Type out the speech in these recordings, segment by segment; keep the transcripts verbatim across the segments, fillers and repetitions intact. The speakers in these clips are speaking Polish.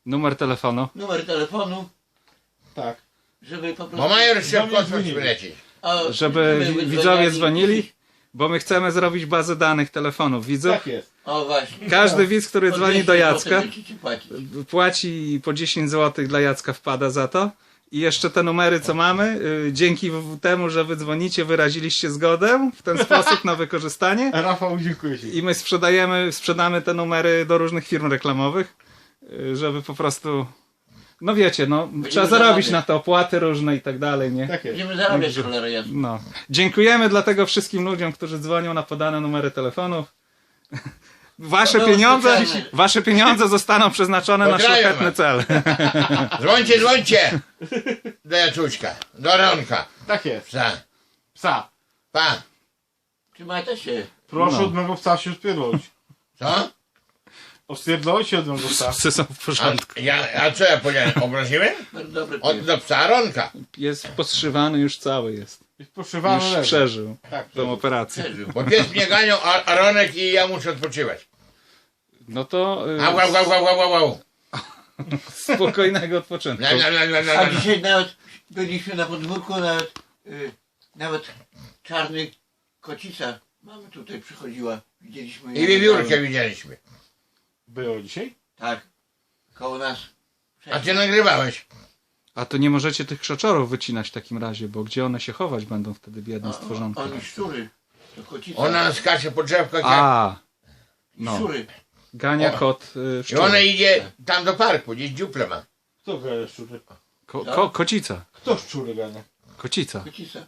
Numer telefonu. Numer telefonu, Tak. żeby po prostu... Bo major się w kosmos dzwonili. wylecieć. A, Żeby wi- dzwoniali. widzowie dzwonili, bo my chcemy zrobić bazę danych telefonów widzów. Tak jest. O właśnie. Każdy widz, który Po dzwoni do dwieście Jacka, złotych będziecie płacić. płaci i po dziesięć złotych dla Jacka wpada za to. I jeszcze te numery, co mamy, y, dzięki w- temu, że wy dzwonicie, wyraziliście zgodę w ten sposób na wykorzystanie. Rafał, dziękuję ci. I my sprzedajemy, sprzedamy te numery do różnych firm reklamowych, y, żeby po prostu, no wiecie, no trzeba zarobić zarabiać. na te opłaty różne i tak dalej, nie? Tak jest. Będziemy zarabiać cholera jasna. No. Dziękujemy dlatego wszystkim ludziom, którzy dzwonią na podane numery telefonów. Wasze To było pieniądze, specjalne. wasze pieniądze zostaną przeznaczone na Pozdrawiam szlachetny was. cel. Dzwońcie, dzwońcie! Do Jacuśka, do Ronka. Tak jest. Psa. Psa. Pa. Trzymajcie się. Proszę No. od mego psa się spierdolić. Co? Ospierdolić się od mego psa. Psy są w A, porządku. ja, a co ja powiedziałem? Obraziłem? Bardzo dobry Od pies. do psa Ronka. Jest poszywany już cały jest. Jest poszywany Już lewy. przeżył Tak, tą operację. Przeżył. Bo pies mnie ganiał, a, a Ronek i ja muszę odpoczywać. No to y, Au, au, au, au, au, au. spokojnego odpoczynku. La, la, la, la, la, A la. dzisiaj nawet byliśmy na podwórku, nawet y, nawet czarny kocica mamy tutaj przychodziła. Widzieliśmy I ją wiewiórkę niedawno. widzieliśmy. Było dzisiaj? Tak. Koło nas. A ty nagrywałeś. A to nie możecie tych krzaczorów wycinać w takim razie, bo gdzie one się chować będą wtedy biedne stworzonki? Oni szczury. To kocica. Ona skacze po drzewkach jak... A, no. Szczury. Gania O. kot y, I szczur. ona idzie tam do parku, gdzieś dziuple ma. Kto gania szczury? Ko, ko, kocica. Kto szczury gania? Kocica. Kocica.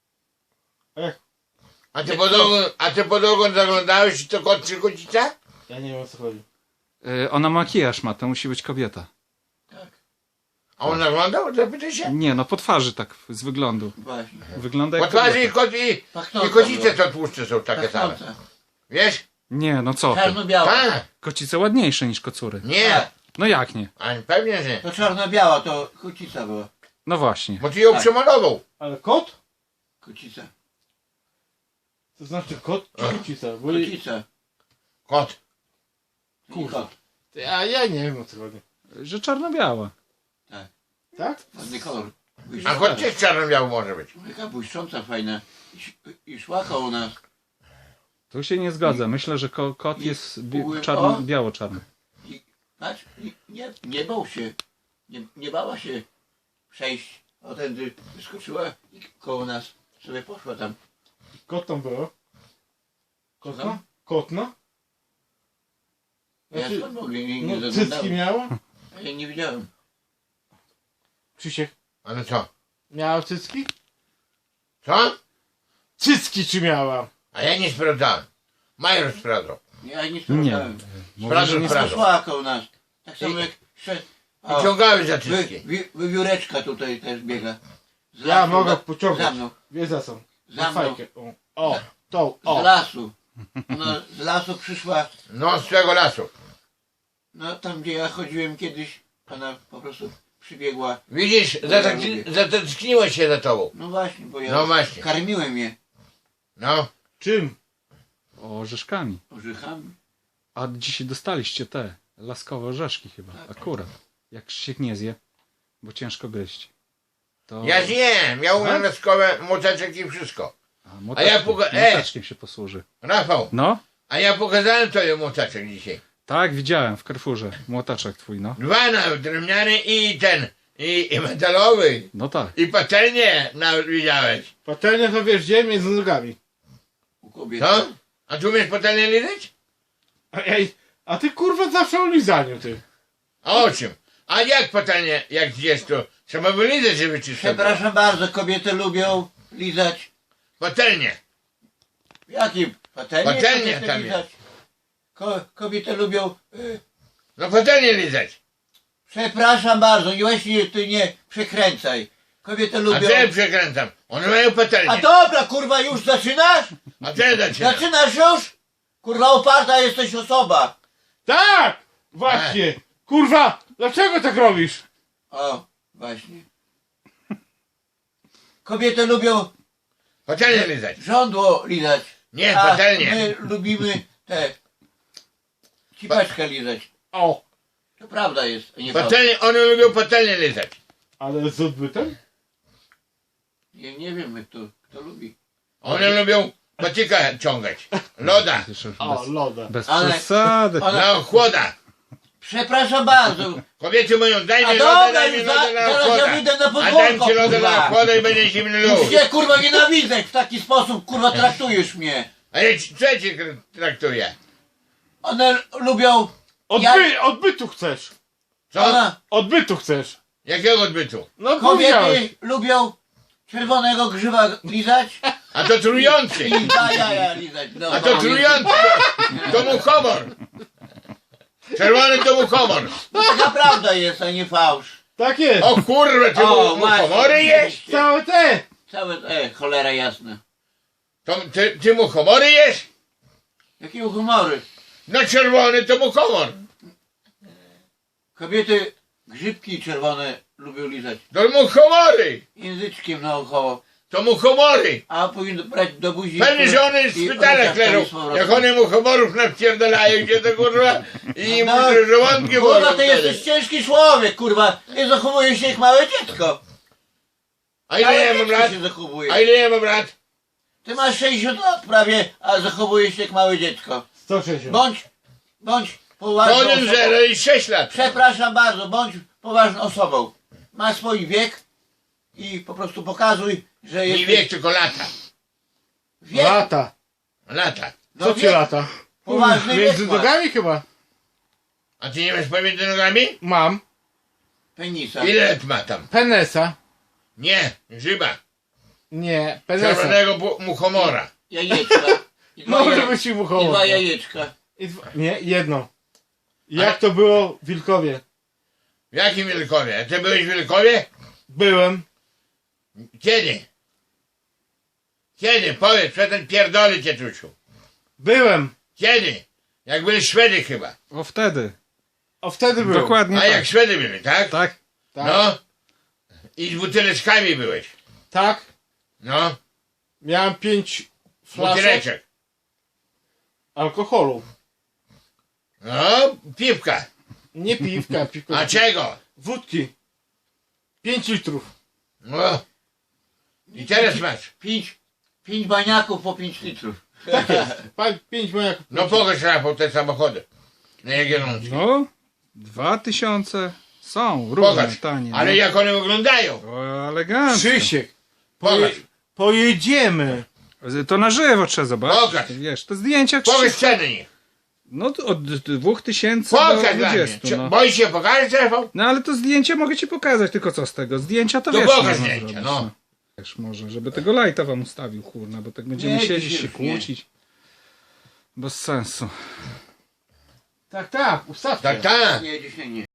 A jak? A ty pod ogon, a ty pod ogon zaglądałeś i to kot czy kocica? Ja nie wiem o co chodzi. Y, ona makijaż ma, to musi być kobieta. Tak. A on naglądał? Zapytaj się. Nie, no po twarzy tak z wyglądu. Właśnie. Wygląda Po jak twarzy i kobieta. kot i, Pachnąca i kocice była. to tłuszcze są takie same. Pachnąca. Wiesz? Nie, no co ty. Czarno-biała. Tak. Kocice ładniejsze niż kocury. Nie. Tak. No jak nie? A pewnie, że. To czarno-biała, to kocica była. No właśnie. Bo ty ją Tak. przemalował. Ale kot? Kocica. To znaczy kot czy kocica? Bo jej- Kocica. Kot. Kurwa. A ja nie wiem o co chodzi. Że czarno-biała. Tak? Ładny kolor. A kot też czarno-biały może być. Taka błyszcząca, fajna. I, ś- I szła koło nas. Tu się nie zgodzę. Myślę, że ko kot I- jest bi u- czarno, o. biało-czarny. I patrz, i nie, nie bał się. Nie, nie bała się przejść. O tędy wyskoczyła i koło nas sobie poszła tam. Kot tam było? Słucham? Kotna? Kotna? Ja Znaczy, skąd mogę? Nie, nie no cycki zaglądałem. miała? A ja nie widziałem. Krzysiek, Ale co? miała cycki? Co? Cycki czy miała? A ja nie sprawdzałem. Major sprawdzał. Ja nie sprawdzałem. Sprawdzał, Nie sprawdzał. poszła koło nas. Tak samo I- jak szedł. I ciągały za wy, cycki. wy, wywióreczka tutaj też biega. Z Ja lasu, mogę za- pociągać. Za mną. Wie za co? Za mną. fajkę. O, o, tą, Z o. lasu. Ona z lasu przyszła. No z tego lasu. No tam gdzie ja chodziłem kiedyś, ona po prostu przybiegła. Widzisz, No, ja zatęskni- lubię. zatęskniło się za tobą. No właśnie, bo ja No właśnie. karmiłem je No. Czym? Orzeszkami. orzechami. A dzisiaj dostaliście te laskowe orzeszki chyba. Akurat. Jak się nie zje, bo ciężko gryźć. To... Ja zjem, ja umiem Tak? laskowe moteczek i wszystko. A, A ja moteczkiem, poga- e! moteczkiem się posłuży. Rafał, No, a ja pokazałem tobie moteczek dzisiaj. tak, widziałem w Carrefourze. Młotaczek twój, no. Dwa nawet, drewniany i ten, i, i metalowy. No tak. I patelnię nawet widziałeś. Patelnia to wiesz gdzie? Między nogami. U kobiet. Co? A tu umiesz patelnię lizać? A, ej, a ty kurwa zawsze o lizaniu ty. A o czym? A jak patelnię, jak jest to? Trzeba wylizać, żeby czysto było. Przepraszam bardzo, kobiety lubią lizać. Patelnię. Jakie patelnie? Patelnie kobiety tam lizać? Ko, kobiety lubią... Y, No patelnię lizać. przepraszam bardzo, nie właśnie ty nie przekręcaj. Kobiety A lubią... co ja przekręcam? One mają A patelnię. dobra, kurwa, już zaczynasz? A co ja zaczynam? Zaczynasz już? Kurwa, oparta jesteś osoba. Tak! Właśnie! Kurwa! Dlaczego tak robisz? O, właśnie. Kobiety lubią Patelnię lizać. żądło lizać. Nie, A patelnię. my lubimy te... Cipeczkę lizać. O! To prawda jest, a nie fałsz. Patelnie, one lubią patelnie lizać. Ale z odbytem? Ja nie wiem, jak to, kto lubi. One lubią patyka ciągać. Loda. O, Bez, loda. bez Ale- przesady. ale- No, chłoda. Przepraszam bardzo. Kobiety mówią, daj A mi loda, dobra, daj mi już loda za- na zaraz chłoda. ja wyjdę na A podwórko, dam ci loda kurwa. na chłoda i będzie zimny Już lód. cię kurwa nienawidzę, jak w taki sposób kurwa traktujesz mnie. A ja ci, co ja cię traktuję? One lubią... Odby odbytu chcesz. Co? Ona, Odbytu chcesz. Jakiego odbytu? No powiedziałeś. kobiety lubią czerwonego grzyba lizać A to trujący. i da jaja lizać. No, A to trujący. To, to mu humor. Czerwony to mu humor. No taka prawda jest, a nie fałsz. Tak jest. O kurwa, ty O, mu, mu właśnie, humory jesz? Całe te. Całe, e, cholera jasna. To, ty, ty mu humory jesz? Jakie humory. No czerwony to mu humor. Kobiety grzybki czerwone lubią lizać. To mu humory. Języczkiem naokoło. To mu humory. A powinno brać do buzi. Pewnie, że one w i szpitalach ruszać tam leżą. z powrotem. Jak one mu humorów nawpierdalają gdzie to kurwa i im No, te żołądki Kurwa, bolą ty jesteś wtedy. ciężki człowiek, kurwa. Nie zachowujesz się jak małe dziecko. A ile Ale ja mam dziecko lat? się zachowuje. A ile ja mam lat? Ty masz sześćdziesiąt lat prawie, a zachowujesz się jak małe dziecko. sto sześćdziesiąt. Bądź, bądź To poważną jeden osobą. zero i sześć lat. Przepraszam bardzo, bądź poważną osobą. Masz swój wiek i po prostu pokazuj, że Nie jesteś... wiek, tylko lata. wiek. Lata. Lata. No Co ci wiek, lata? Poważny wiek Między masz. nogami chyba. A ty nie masz pomiędzy nogami? Mam. Penisa. Ile lat ma tam? Penesa. Nie, grzyba. Nie, penesa. Czerwonego bu- muchomora. Jajeczka. I dwa, Może jaje... być i I muchowo. dwa jajeczka. I dwa... Nie, jedno. Jak to było w Wilkowie? W jakim Wielkowie? A ty byłeś w Wielkowie? Byłem. Kiedy? Kiedy? Powiedz, przestań pierdolić, Cietusiu. Byłem. Kiedy? Jak byli Szwedy chyba. O wtedy. O wtedy byłem. Dokładnie A tak. jak Szwedy byli, tak? Tak. Tak. No. I z buteleczkami byłeś. Tak. No. Miałem pięć flaszek Buteleczek. alkoholu. No, piwka. Nie piwka, piwka. A czego? Wódki. Pięć litrów. No. I teraz masz. Pięć, pięć baniaków po pięć litrów. Tak jest. Pa- Pięć mojaków. No pokaż Rafał te samochody. Na Jagiellonskiej. No, dwa tysiące są różne, Pokaż. tanie. Ale no. jak one wyglądają? O, elegancko. Krzysiek. Pokaż. Poje... Pojedziemy. To na żywo trzeba zobaczyć. Pokaż. Wiesz, to zdjęcia Pokaż Krzysiek. ceny ich. No to od dwóch tysięcy do Pokaż dla mnie. dwudziestu. Czy- No. Boisz się pokażesz, Rafał? no ale to zdjęcia mogę ci pokazać, tylko co z tego? Zdjęcia to, To wiesz, pokaż można zdjęcia, zrobić, no. Wiesz, może, żeby tego lajta wam ustawił, kurna, bo tak będziemy Nie, siedzieć, dzisiaj się już nie. kłócić. Bez sensu. Tak, tak. Ustawcie. Tak, tak. Nie, dzisiaj nie.